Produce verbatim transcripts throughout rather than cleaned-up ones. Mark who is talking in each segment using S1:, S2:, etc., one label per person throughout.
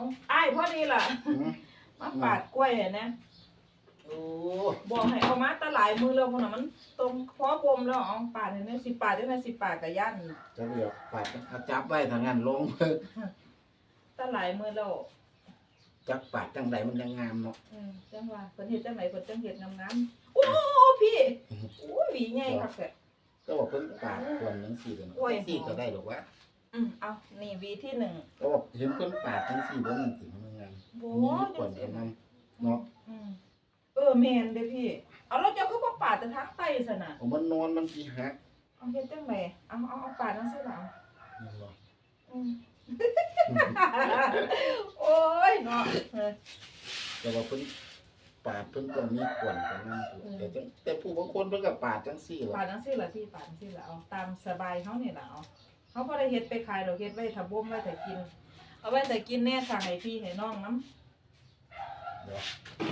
S1: อ้ายพอดีล่ะมาปาดกล้วยนะ
S2: โอ้
S1: บอกให้เอามาตะหลายมือแล้วคนน่ะมันตรงพอบมแล้วเอาปาดเห็นไหมสิปาดได้ไหมสิปาดกับย่าน
S2: จะเดี๋ยวปาดเอาจับไว้ทางนั้นลง
S1: ตะหลายมือแล้ว
S2: จับปาดจังใดมันยังงามเนาะ
S1: เออจังว่าเพิ่นเฮ็ดจังไหนเพิ่นจังเฮ็ดงามๆโอ้พี่โอ้ยหวีใหญ่คักแท้
S2: ก็บอกเพิ่นปาดควรทั้งสี่เลยสี่ก็ได้หรอกวะ
S1: อืมเอานี่หวีที่หนึ่ง
S2: ก็บอกเห็นเพิ่นปาดทั้งสี่ว่ามันสิมันงาม
S1: โอ้
S2: ควรเอานำเนาะ
S1: อืมเออแม่นเด้อพี่เอาแล้วเจ้าคือบ่ปาดแต่ทางใต้ซั่นน่ะ
S2: ผมมันนอนมันสิหัก
S1: เอาเฮ็ดจังไดเอาเอาเอาปาดจังซี่ล่ะ
S2: นี่บ่
S1: อืมโอ้ยเนาะเออ
S2: แต่ว่าเพิ่นปาดเพิ่นต้องมีควรกันนำแต่จังแต่ผู้บางคนเพิ่นก็ปาดจังซี่ล่ะ
S1: ปาดจังซี่ล่ะพี่ปาดจังซี่ล่ะเอาตามสบายเฮานี่ล่ะเอาเฮาบ่ได้เฮ็ดไปขายดอกเฮ็ดไว้ถ้าบ่มไว้ถ้ากินเอาไว้แต่กินแน่ถ้าให้พี่ให้น้องนำ
S2: เดี๋ยว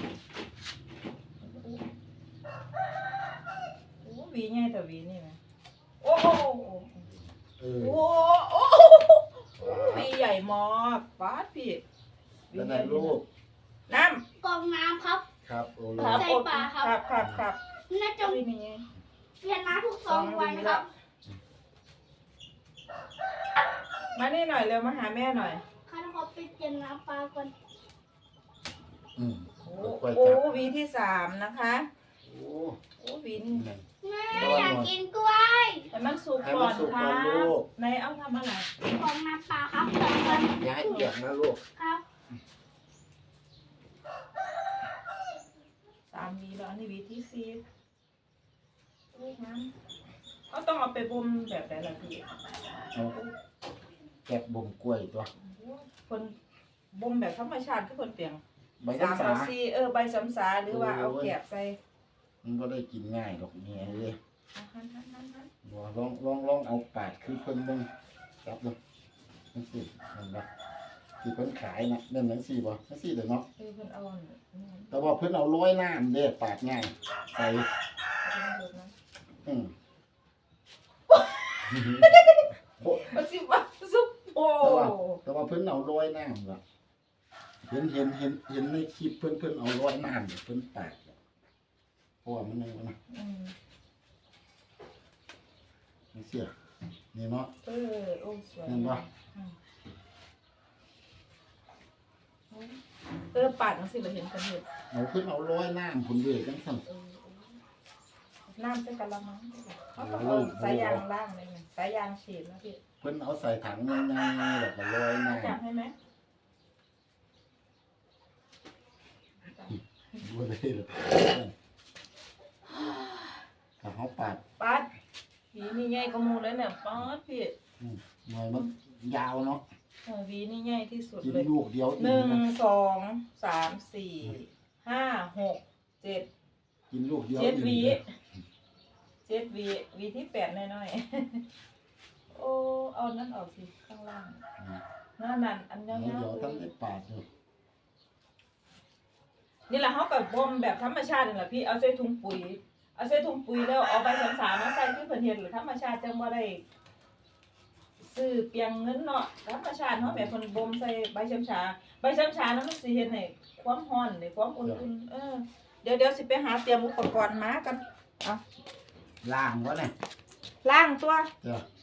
S1: โอ้หวีใหญ่แต่หวีนี่แหมโอ้โห
S2: เออ
S1: โอ้โอ้หวีใหญ่มากปาดพี่
S2: แล้วไหนลูก
S1: น้ำ
S3: กองน้ำครับ
S2: ครับโอ้ลูก
S3: ใส่ปลาครับ
S1: ครับครับครับ
S3: น่าจะเปลี่ยนน้ำทุกสองวันครับ
S1: มานี่หน่อยเร็วมาหาแม่หน่อย
S3: ข้าเขาไปเปลี่ยนน้ำปลาก่อน
S2: อืม
S1: โอ้โอ้วีที่สามนะคะ
S2: โอ้
S1: โอ้วีนี่
S3: แม่อยากกินกล้วย
S1: แต่มันสุกก่อนครับในเอาทำอะไร
S3: กองน้ำปลาครับสองวัน
S2: อย่าให้เปียกนะลูก
S3: ครับ
S1: สามวีแล้วอันนี้วีที่สี่ลูกน้ำเขาต้องเอาไปบ่มแบบไหนล่ะพี่
S2: เอาแกะบ่มกล้วยตัว
S1: คนบ่มแบบธรรมชาติคือคนเปลี่ยน
S2: ใบซ้ำสา
S1: เออใบซ้ำสาหรือว่าเอาแกะใส่
S2: มันก็ได้กินง่ายดอกเนี่ยเลยลองลองลองลองเอาปาดคือเพิ่นเบิ่งจับดูนั่นสินั่นบ่ที่เพิ่นขายนะนั่นจังซี่บ่จังซี่เด้อเนาะ
S1: เออเพิ่นเอา
S2: แต่ว่าเพิ่นเอาโรยน้ำเด้ปาดง่ายใส่อืม
S1: มันสิว่าซุปโอ้
S2: แต่ว่าเพิ่นเอาโรยน้ำล่ะเห็นเห็นเห็นเห็นในคลิปเพิ่นเพิ่นเอาโรยน้ำเพิ่นปาดเพราะว่ามันยังนะ
S1: อืม
S2: นี่เสียนี่เนาะ
S1: เออโอ้สวย
S2: เห็นบ่
S1: เออปาดจังซี่บ่เห็นกันเฮ็ด
S2: เอาเพิ่นเอาโรยน้ำพุ่นเด้จังซั่น
S1: น้ำใส่กะละมังเขาต้องเอาสายยางล่างเลยไงสายยางฉีดนะพี่
S2: เพิ่นเอาใส่ถังง่ายๆแบบโรยน้ำ
S1: จับให้ไหม
S2: บ่ได้หรอกถ้าเฮาปาด
S1: ปาดหวีนี่ใหญ่กว่าหมู่เลยเนี่ยปาดพี่
S2: อืมหน่อยมันยาวเนาะ
S1: เออหวีนี่ใหญ่ที่สุด
S2: กิน
S1: เลย
S2: ลูกเดียว
S1: หนึ่งสองสามสี่ห้าหกเจ็ด
S2: กินลูกเดียว
S1: เจ็ดหวีเจ็ดหวีหวีที่แปดน้อยๆโอ้เอานั่นออกสิข้างล่างนั่นนั่นอันยาวๆ
S2: เดี๋ยวท่านได้ปาดอยู่
S1: นี่แหละเขากับบ่มแบบธรรมชาตินี่แหละพี่เอาใส่ถุงปุ๋ยเอาใส่ถุงปุ๋ยแล้วเอาใบสามสามมาใส่ที่เพิ่นเฮ็ดหรือธรรมชาติจังบ่ได้ซื้อเปียงเงินเนาะธรรมชาติเฮาแบบเพิ่นบ่มใส่ใบช้ำชาใบช้ำชานั้นมันสิเฮ็ดให้ความร้อนให้ความอุ่นๆเออเดี๋ยวเดี๋ยวสิไปหาเตรียมอุปกรณ์มากันเอา
S2: ล้างวะเนี่ย
S1: ล้างตัว
S2: จ้ะ